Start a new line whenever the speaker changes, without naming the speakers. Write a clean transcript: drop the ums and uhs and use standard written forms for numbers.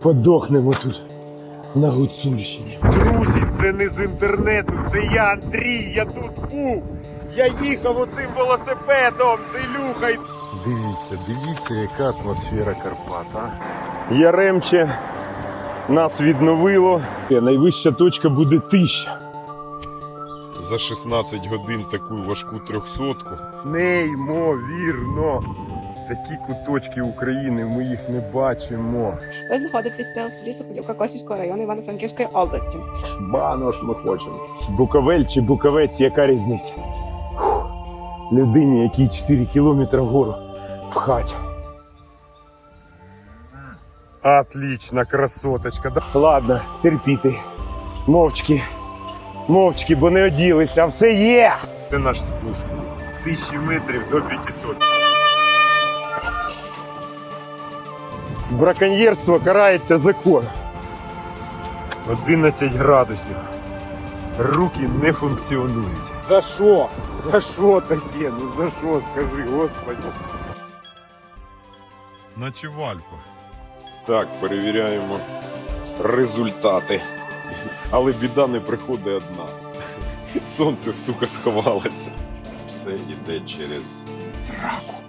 подохнемо тут на Гуцульщині. Друзі, це не з інтернету, це я, Андрій, я тут був. Я їхав оцим велосипедом, це Ілюха. Дивіться, яка атмосфера Карпат, а? Яремче нас відновило. Найвища точка буде 1000. За 16 годин таку важку 300-ку. Неймовірно! Такі куточки України, ми їх не бачимо.
Ви знаходитеся в селі Соколівка Косівського району Івано-Франківської області.
Бано ж ми хочемо. Буковель чи Буковець, яка різниця? Людині, якій 4 кілометри вгору пхать. Отлично, красоточка. Ладно, терпіти. Мовчки, бо не оділися, а все є! Це наш спуск. З 1000 метрів до 500. Браконьєрство карається законом. 11 градусів. Руки не функціонують. За що? За що таке? Ну за що, скажи, Господи. Наче в Альпах. Так, перевіряємо результати. Але біда не приходить одна. Сонце, сука, сховалося. Все йде через сраку.